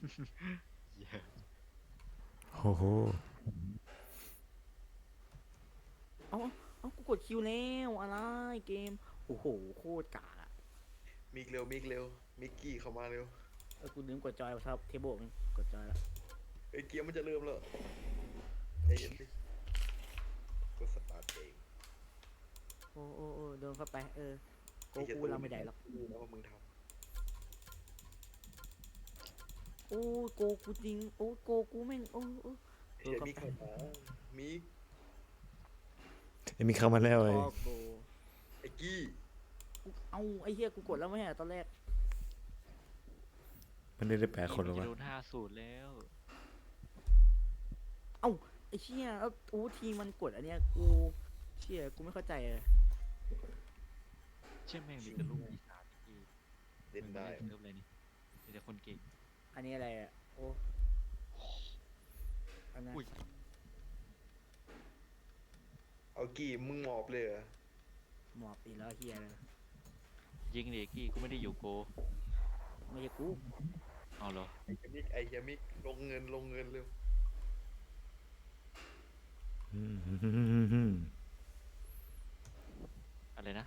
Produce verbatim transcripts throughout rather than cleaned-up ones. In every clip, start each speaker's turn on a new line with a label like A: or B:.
A: เหี้ย
B: โอ้โห
C: เอ้าเอ้ากูกดคิวแล้วอะไรเกมโอ้โหโคตรกากอะ
D: มิกเร็วมิกเร็วมิกกี้เข้ามาเร็ว
C: เออกูลืมกดจอยครับเทเบิลกดจอยแล้ว
D: ไอ้ยเกียร์มันจะเริ่มแล้วใจเย็นดิกดสตาร์ทเอง
C: โอ้โอ้โอ้โดนเข้าไปเออโก
D: ไอ้เหี้ย
C: กูเราไม่ได้หรอก
D: รู้นะว่ามึงท
C: โอ้โกกูจริงโอ้โกกูแม่งโอ้โอ้
D: ำไอ้
C: โดน
D: เหี้ย
C: เข้า
D: มิก
C: ไป
D: เข้ามามิก
B: ไอ้มีเข้ามาแล้ว
C: พ
B: เลย
C: อโก
D: ไอ้กี้
C: กูเอาไอ้เหี้ยกูกดแล้วไม่ใช่เหรอตอนแรก
B: มันได้ได้แปดคนหรอ
A: จะ
B: วะ
A: โดนห้าสูตรแล้ว
C: เอ้าไอ้เชี่ยแล้วโอ้ทีมมันกดอันเนี้ยกูเชี่ยกูไม่เข้าใจเลย
A: เชื่อแม่งมีแต่ลูกปีศาจที่
D: เล่นได้
A: เริ่มเลยนี่มีแต่คนเก่ง
C: อันนี้อะไรอ่ะโอ้อันนั้น
A: อุ้ย
D: เอากี้มึงหมอบเลยเหรอ
C: หมอบอีกแล้วเฮียเลย
A: ยิงเด็กกี้กูไม่ได้อยู่โก
C: ไม่ใช่กู
A: เอาเหรอ
D: ไอ้เหี้ยมิกไอ้เหี้ยมิกลงเงินลงเงินเร็ว
B: อืม
A: อะไรนะ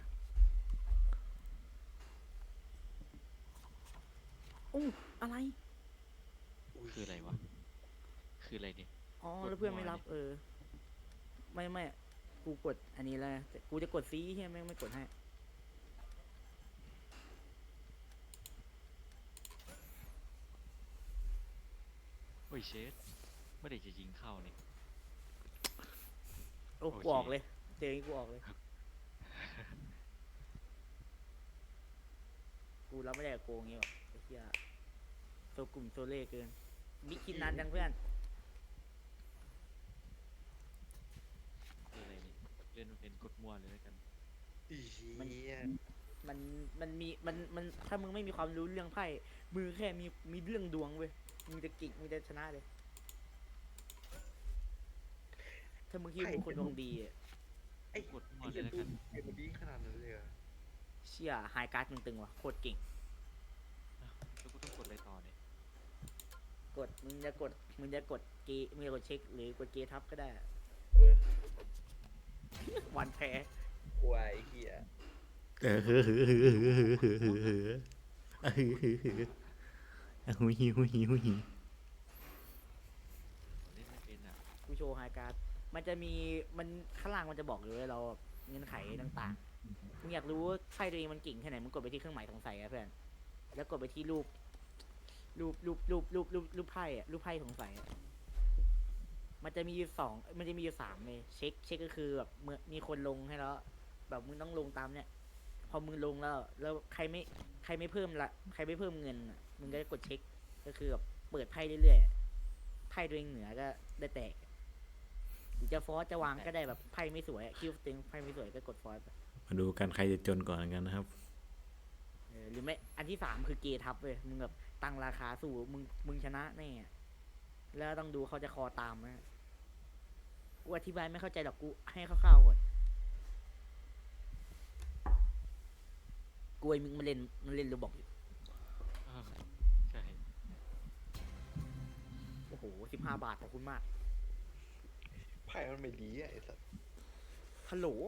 C: โอ้อะไร
D: อุ้ย
A: คืออะไรวะคืออะไรเนี่ย
C: อ๋อก
A: ด
C: แล้วเพื่อนไม่
A: มั่ว
C: รับ
A: นี่
C: เออไม่ไม่กูกดอันนี้แล้วแต่กูจะกดซีเฮียแม่งไม่กดให้
A: โอ้ยเชดไม่ได้จะยิงเข้านี่
C: โอ้
A: โอเค
C: กูออกเลยเจออย่างงี้กูออกเลยกูรับไม่ได้กับโกงงี้หรอกไอ้เฮียโซกลุ่มโซเล่เกินมิกคิดนานจังเพื่อน
A: คืออะไรนี่เล่นมันเป็นกดมั่วเลยแล้วกัน
D: อีเหี้ย
C: มันมันมีมันมันถ้ามึงไม่มีความรู้เรื่องไพ่มือแค่มีมีเรื่องดวงเว้ยมึงจะกิ่งมึงจะชนะเลย ถ้ามึงคิดว่ามึงคนดวงดีอะ
D: ไอ้
A: กดมั่ว
D: ไอ้
A: เล
D: เหี้
A: ย
D: ย
A: แล้วกัน
D: ดูเกมมันดีขนาดนั้นเลยเหรอ
C: เชี่ยไฮการ์ดมึงตึงว่ะโคตรเก่ง
A: อ้าวแล้วกูต้องกดอะไรต่อเนี่ย
C: กดมึงจะกดมึงจะกดเกมึงจะกดเช็คหรือกดเกทับก็ได้
D: เออ
C: วันแพ้
D: ควายเหี้ย
B: เออเฮ้อเฮ้อเฮ้อเฮ้อเฮ้อเฮ้อเฮ้อเฮ้อเฮ้อเฮ้อเฮ้อหุยหิวหุยหิวหุยหิว
A: เล่นไม่เป็นอ่ะ
C: กูโชว์ไฮการ์ดมันจะมีมันข้างล่างมันจะบอกอยู่เลยเราเงื่อนไขต่างๆมึงอยากรู้ว่าไพ่ตัวเองมันเก่งแค่ไหนมึงกดไปที่เครื่องหมายสงสัยอะเพื่อนแล้วกดไปที่รูป รูปรูปรูปรูปรูปรูปไพ่อะรูปไพ่สงสัยอะมันจะมีอยู่สองมันจะมีอยู่สามเลยเช็คเช็คก็คือแบบเมื่อมีคนลงให้แล้ว แบบมึงต้องลงตามเนี่ยพอมึงลงแล้ว แล้วใครไม่ใครไม่เพิ่มละใครไม่เพิ่มเงินอะมึงก็จะกดเช็คก็คือแบบเปิดไพ่เรื่อยๆไพ่ตัวเองเหนือก็ได้แตกหรือจะฟอสจะวางก็ได้แบบไพ่ไม่สวยอะคิวตึงไพ่ไม่สวยก็กดฟอสไป
B: มาดูกันใครจะจนก่อนกันนะครับ
C: เออหรือไม่อันที่สามคือเกทับเว้ยมึงแบบตั้งราคาสู้มึงมึงชนะแน่อะแล้วต้องดูเขาจะคอตามไหมกูอธิบายไม่เข้าใจหรอกกูให้คร่าวๆก่อนกูไอ้มึงมันเล่นมันเล่นโรบอกอยู่
A: เออใช่
C: โอ้โหสิบห้าบาทขอบคุณมาก
D: ไพ่มันไม่ดีอะไอ้สัส
C: ฮัลโหล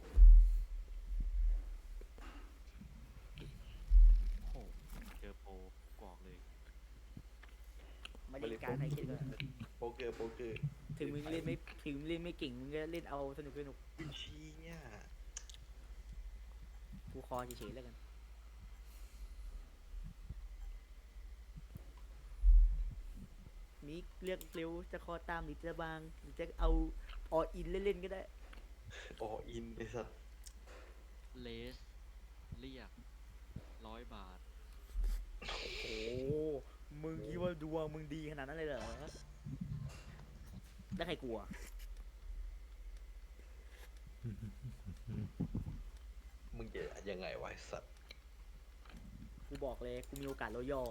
A: โอ้โหเจอโปรกรอกเลย
C: มาเล่นการให้คิดก่อน
D: โป๊กเกอร์โป๊กเกอร์
C: ถึงมึงเล่นไม่ถึงมึงเล่นไม่เก่งมึงก็เล่นเอาสนุกสนุก
D: วินชีเนี่ย
C: กูคอเฉยๆแล้วกันมิกเลือกเร็วจะคอตามหรือจะบางหรือจะเอาออินเล่นๆก็ได้
D: อออินไอ้สัส
A: เลสเรียกร้อยบาท
C: โอ้มึงคิดว่าดวงมึงดีขนาดนั้นเลยเหรอแล้วใครกลัว
D: มึงจะยังไงวะไอ้สัส
C: กูบอกเลยกูมีโอกาสแล้วย่อ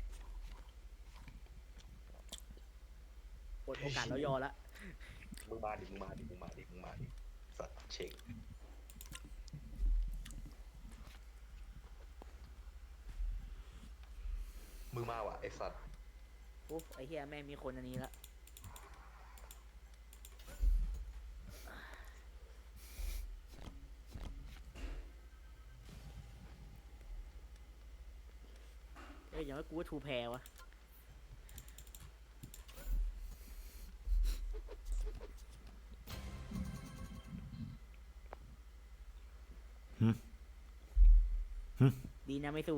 C: หมดโอกาสแล้วย่อละ
D: มึงมาดิมึงมาดิมึงมาดิมึงมาดิสัสเช็คมึงมาว่ะไอ้สัส
C: โอ้ไอ้เหี้ยแม่งมีคนอันนี้ละเอ้ยอย่างว่ากูว่าทูแพรวะ ดีนะไม่สู้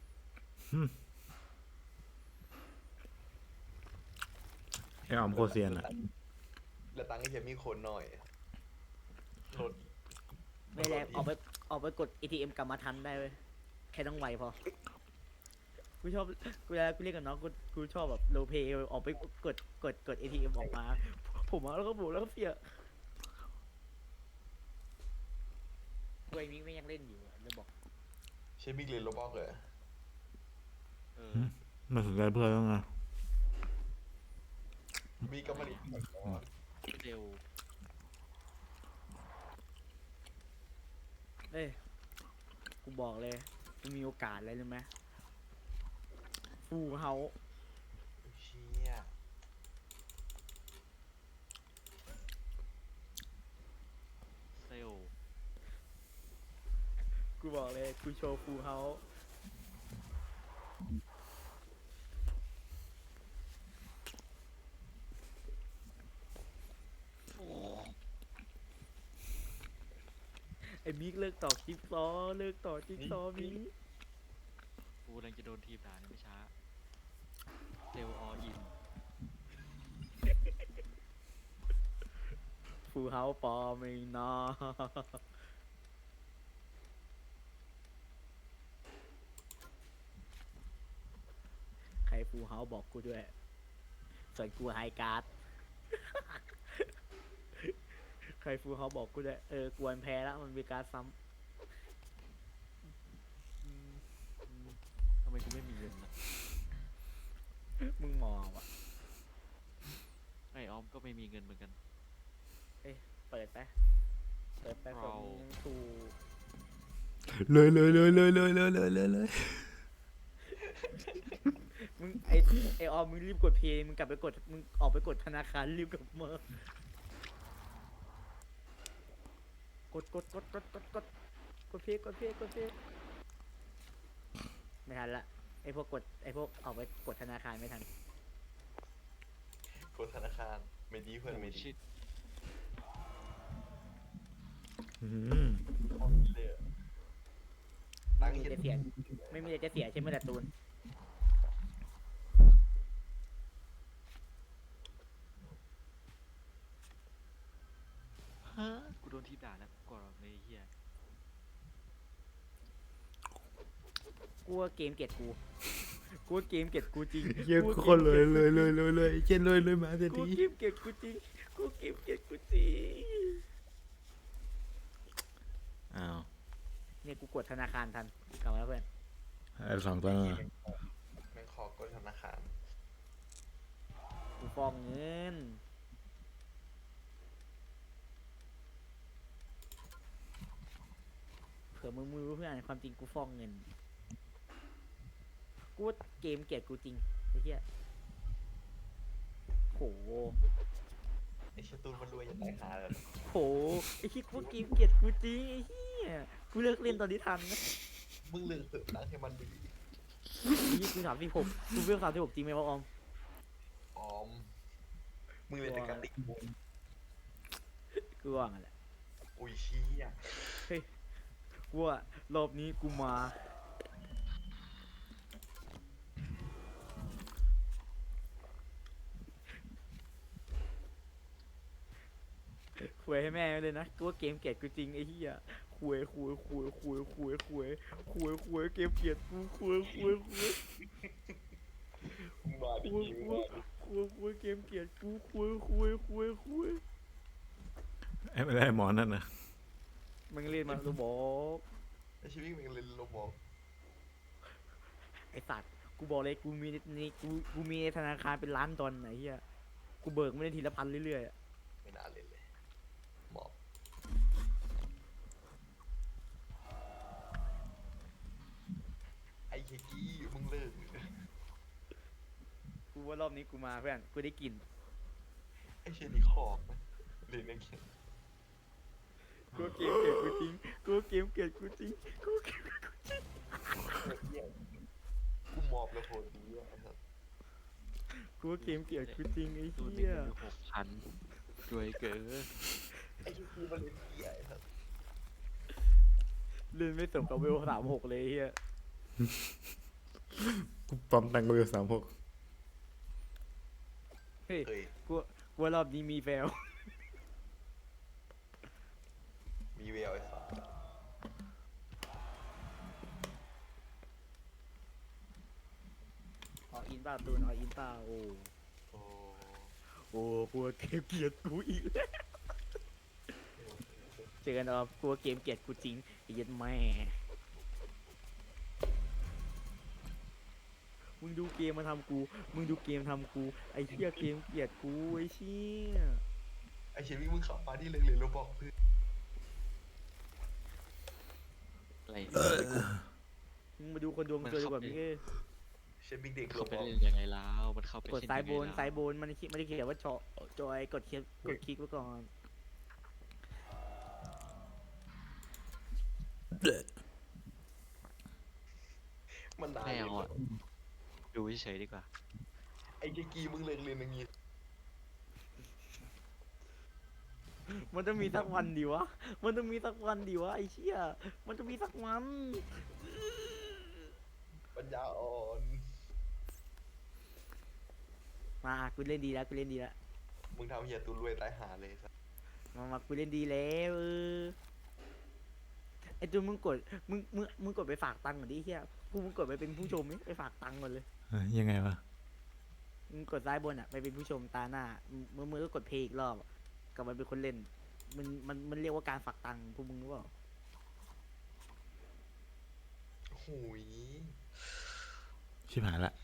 B: ไอ้ออมโคตรเซียนอ่ะ
D: แล้วตังค์ไอ้เหี้ยมีคนหน่อยรถ
C: ไม่แรงออกไปออกไปกด เอ ที เอ็ม กลับมาทันได้เว้ยแค่ต้องไวพอ กูชอบกูเวลากูเล่นกับน้องกูกูชอบแบบโลเพย์ออกไปกดกดกด เอ ที เอ็ม ออกมา ผมเอาแล้วก็บุแล้วก็เสียกูไอ้มิกไม่ยังเล่นอยู่อะเลยบอก
D: ใช่บิ๊กเรียนโรบอกเลย
A: เออ
B: ไม่สนใจเพื่อนแล้วไง
D: บิ๊กก็มาดิ
A: เร็ว
C: เอ้ยกูบอกเลยกูมีโอกาสอะไรรู้ไหมฟูเฮา
D: เชี่ย
A: เซลล
C: กูบอกเลยกูโชว์ฟูเฮาไอ้มิกเลิกต่อจิ๊กซอว์เลิกต่อจิ๊กซอว์มิก
A: กูกำลังจะโดนทีมด่านี่ไม่ช้าเซลออิน
C: ฟูเฮาปอไม่นอใครฟูเฮาบอกกูด้วย ส่วนกูไฮการ์ด ใครฟูเฮาบอกกูด้วย เออกวนแพ้แล้วมันมีการ์ดซ้
A: ทำไมกูไม่มีเงินนะ
C: ำ มึงมองว่ะ
A: ไอออมก็ไม่มีเงินเหมือนกัน
C: เปิดไป เปิดไปผมยังถูก
B: เลยเลยเลยเลยเลยเลยเลยเลยเลย
C: มึงไอไอออมมึงรีบกดเพย์มึงกลับไปกด มึงออกไปกดธนาคารรีบกลับมากดกดกดกดกดกดกดเพย์กดเพย์กดเพย์ไม่ทันละไอพวกกดไอพวกออกไปกดธนาคารไม่ทัน
D: กดธนาคารไม่ดีเพื่อนไม่ดี
A: ชิด
B: อืม
D: เลยอะ
C: ไม่
D: ตังค์
C: มี
D: เห็น
C: จะเสียไม่มีอะไรจะเสียใช่ไหมล่ะตูน
A: ฮะกูโดนทีมด่าแล้วก่อนเลยไอ้เฮีย
C: กูว่าเกมเกลียดกู กูว่าเกมเกลียดกูจริง
B: เยี่ยกูคนเลยเลยเลยเลยเลยเช่นเลยเลยมาเสีย
C: กู
B: ที
C: เกมเกลียดกูจริง กูเกมเกลียดกูจริง
B: อ้าว
C: เนี่ยกูกดธนาคารทันกลับมาแล้วเพื่อน
B: ไอ้สองตัวนั้นอะ
D: แม่งขอกดธนาคาร
C: กูฟองเงิน เผื่อมึงไม่รู้เพื่อนความจริงกูฟองเงิน กูว่าเกมเกลียดกูจริงไอ้เหี้ยโห
D: ไอ้เชยตูนมันรวยอย่างไรหาเลย
C: โห ไอ้ที่กูว่าเกมเกลียดกูจริงไอ้เหี้ย กูเลิกเล่นตอนนี้ทันนะ
D: มึงเลือกเสริมตังค์ให้มันดี
C: ยี่กูสามสิบหกกูเวลสามสิบหกจริงไหมวะออม
D: ออมมึงเรียนแต่กติกบุญ
C: กูว่างั้นแหละ
D: อุ้ยเชี่ย
C: กูว่ารอบนี้กูมาคุยให้แม่เลยนะกูว่าเกมเกลียดกูจริงไอ้เหี้ยคุยคุยคุยคุยคุยคุยคุยคุยเกมเกลียดกูคุยคุยคุย
D: มึงมาดิ
C: คุย
D: มึง
C: คุ
D: มาย ดิ
C: คุยคุยเกมเกลียดกูคุยคุยคุยคุย
B: ไอ้ไม่ได้หมอนั่นนะ
C: มึงเล่นมาลูบอก
D: ไอ้ชีวิตมึงเรียนโรบอก
C: ไอ้สัตว์กูบอกเลยกูมีในกูกูมีในธนาคารเป็นล้านดอลไหนเหี้ยกูเบิกไม่ได้ทีละพันเรื่อยๆอะ
D: ไม่น่าเล่นเลยหมอบไอ้เฮียกี้มึงเลิก
C: กูว่ารอบนี้กูมาเพื่อนกูได้กลิ่น
D: ไอ้เชนี่ขอบนะเรียนนักเขียน
C: กูเกมเกลียดกูจริงกูเกมเกลียดกูจริงกูเกม
D: กูมอบแล้วโหดดีอ่ะครับ
C: กูเกมเกลียดกูจริงไอ้
A: ตูนมี
C: เหี้ย
A: เงินอยู่หกพันรวยเกิน
D: ไอ้ที่กูมาเล่นเกียร์ครับ
C: เล่นไม่สมกับเวลสามหกเลยไอ้เหี้ย
B: กูปั๊มตังค์กูอยู่สามหก
C: เฮ้ย
D: เฮ้ย
C: กูกูว่ารอบนี้มีแฟล
D: มีแววไอ้สัส
C: อ๋ออินเปล่าตูนอ๋ออินเปล่าโอ้
D: โอ้
C: โอ้กูเกมเกลียดกูอีกแล้วเจอกันอ๋อกูเกมเกลียดกูจริงไอ้เหี้ยัดแม่มึงดูเกมมาทำกู มึงดูเกมทำกู ไอ้เหี้ยเกมเกลียดกูไอ้เชี่ย
D: ไอ้เชนี่มึงขับมาที่เล็กๆแล้วบอกเพื่อน
A: อะไร
C: มึงมาดูคนดวงสวยดีกว่าพี่เอ้ย
D: เชนบิ๊กเด็ก
A: เข้าไป
D: บอก
A: เล่นยังไงแล้วมันเข้าไป
C: กด
A: เล่น
C: ซ้าย
A: ง
C: บ
A: ไง
C: น
A: แล้ว
C: ซ้ายบนมันคิดไม่ได้เขียนว่าจอจอยกดคลิกกดคลิกไว้ก่อน
D: มันนาน
A: ไม่
D: เลย
A: เอาอ่ะดูเฉยๆดีกว่า
D: ไอ้เจกีมึงเลิกเรียนอย่างงี้
C: มันจะมีสักวันดีวะ มันจะมีสักวันดีวะไอ้เชี่ยมันจะมีสักวัน
D: ปัญญาอ่อน
C: มากูเล่นดีแล้วกูเล่นดีแล้ว
D: มึงทำเฮียตุนรวยตายหาเลยสัส
C: มามากูเล่นดีแล้วเออไอ้จูนมึงกดมึงมึงมึงกดไปฝากตังค์ก่อนดิเฮียกูมึงกดไปเป็นผู้ชมนี่ไปฝากตังค์ก่อนเลย
B: เอ้ยยังไงวะ
C: มึงกดซ้ายบนอ่ะไปเป็นผู้ชมตาหน้ามือมือก็กดเพลย์อีกรอบอะกลับมาเป็นคนเล่น มันมันมันเรียกว่าการฝากตังค์พวกมึงรู้เปล่า
D: หูย
B: ชิบหายละ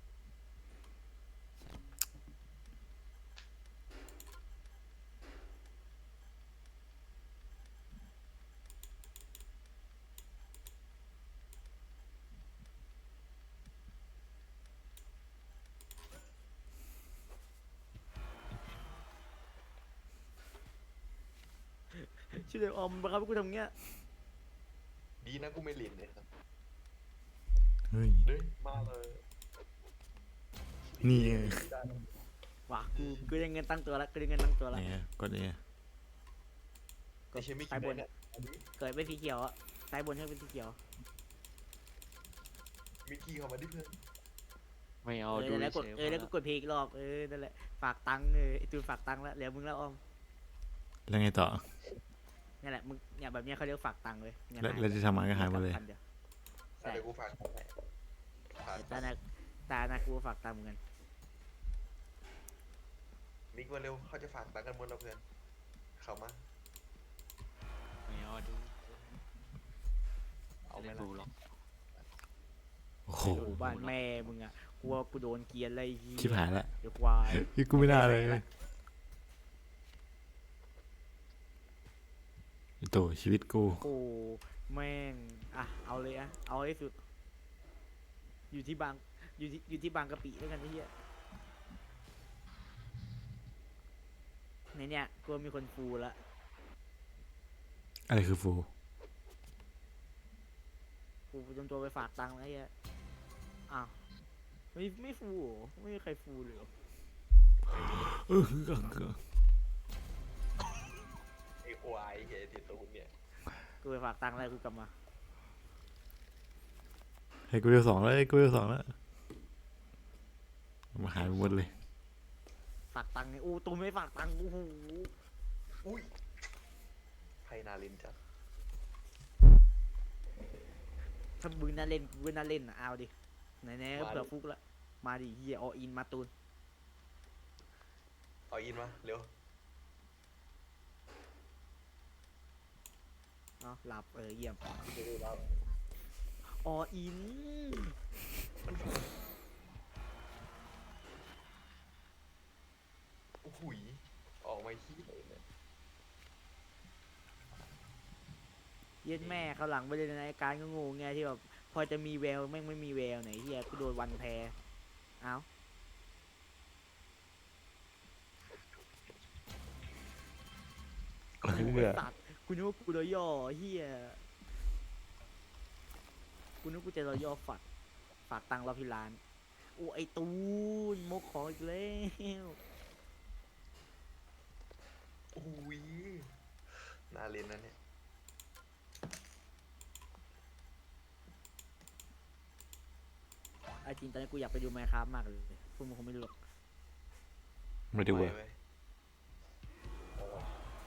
C: ชื่อเลยออมบังคับให้กูทำเงี้ย
D: ดีนะกูไม่เรียนเลยครับ
B: เฮ้ย
D: เด้ยมาเลย
B: นี่ไง
D: ได้
C: ว่ะกูกูได้เงินตั้งตัวแล้วกูได้เงินตั้งตัวแล้ว
B: เนี่ยกดเนี่ย
C: ก
D: ไอ้
C: ด
D: เชนไม่คิ
C: ซ้า
D: ด
C: ยบ
D: ได้
C: น
D: เนี่ยอันนี้
C: เกิดเป็นสีเขียวอ่ะซ้ายบนให้เป็นสีเขียว
D: มิกกี้เข้ามาดิเพื่อน
A: ไม่
C: เอ
A: เอา
C: อ
A: ดู
C: แล้วกด
A: เฉยๆ
C: เออแล้วก็กดเพลย์อีกรอบเออนั่นแหละฝากตังค์เออไอตูนฝากตังค์แล้วเหลือมึงแล้วออม
B: แล้วไงต่อ
C: นี่แหละมึงเนี่ยแบบเนี้ยเขาเรียกฝากตังค์เลยเงิน
B: แล้ว
C: หาย
B: แล้วที่ทำมาก็หายหมดเลย
C: พันดีว ใช่
D: เดี๋ยวกูฝากให้ฝาก
C: ตาหนักตาหนักกูฝากตังค์เหมือนกัน
D: มิกมาเร็วเขาจะฝากตังค์กันหมดแล้วเพื่อน เข้ามา
A: ไม่เอาดู
D: เอาไหม
A: ไม่
D: ล่ะ
A: ดูหรอก
B: โอ้โห
C: โอ้บ้านแม่มึงอ่ะกลัวกูโดนเกลียนอะไรไอ้เหี้ย
B: ชิบหายละ
C: เดี๋ยวควาย
B: พี่กูไม่น่าเลยไอ้โตชีวิตกู
C: โอ้แม่งอ่ะเอาเลยอ่ะเอาให้สุด อยู่ที่บางอยู่ที่อยู่ที่บางกะปิด้วยกันไอ้เหี้ยในเนี่ยกลัวมีคนฟูละ
B: อะไรคือฟู
C: ฟูจนตัวไปฝากตังค์แล้วไอ้เหี้ยอ้าวไม่ไม่ฟูเหรอไม่มีใครฟูเลยเหรอ
B: เออ
D: ไอ้ควายเฮียติดตูนเนี่ย
C: กูไปฝากตังค์แล้วกูกลับมา
B: ให้กูเรียกสองแล้วให้กูเรียกสองแล้วมาหายไปหมดเลย
C: ฝากตังค์เนี่ยโอ้ตูนไม่ฝากตังค์โอ้โห
D: อุ้ยไพนาลินจ้ะ
C: ถ้ามึงน่าเล่นกูก็น่าเล่นอ่ะเอาดิไหนๆก็เผื่อฟุกละมาดิเฮียออินมาตูน
D: เอาอินมาเร็ว
C: เนาะหลับเออเยี่ยม
D: เร็วๆรับ
C: ออิน
D: โอ้โหยออกมาขี้เลยเนี่ย
C: เย็นแม่เขาวหลังไปเลยนะไอ้การก็งงไงที่แบบพอจะมีแววแม่งไม่มีแววไหนเฮียกูโดนวันแพ้เอ้า
B: มึงเบื่อ
C: สัตว์กูนึกว่ากูรอย่อเฮียกูนึกว่ากูจะรอย่อฝักฝากตังค์เราที่ร้านโอ้ไอตูนมกของอีกแล้ว
D: อุ้ยน่าเล่นนะเนี่ย
C: ไอจริงตอนนี้กูอยากไปดูไมค์ครับมากเลยพวกมึงคงไม่รู้หรอก
B: ไม่ดูเว้ย
D: ไปว้โอ้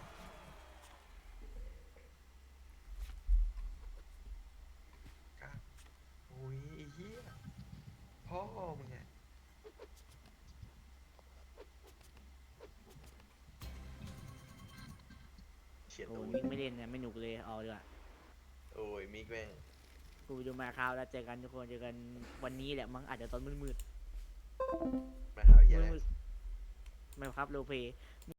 D: กล้าอุ้ยไอ้เหี้ยพ่อมึงไงเขียน
C: โอ้
D: ตู
C: ย
D: น
C: มิกไม่เล่นเนี่ยไม่หนุกเลยเอาดีกว่า
D: โอ้ยมิกแม่ง
C: กูไปดูไมค์ครับแล้วเจอกันทุกคนเจอกันวันนี้แหละมั้งอาจจะตอนมืด
D: มาหา
C: ๆ
D: เหี้ยอะไร
C: มืดๆไมค์ครับโรลเพลย์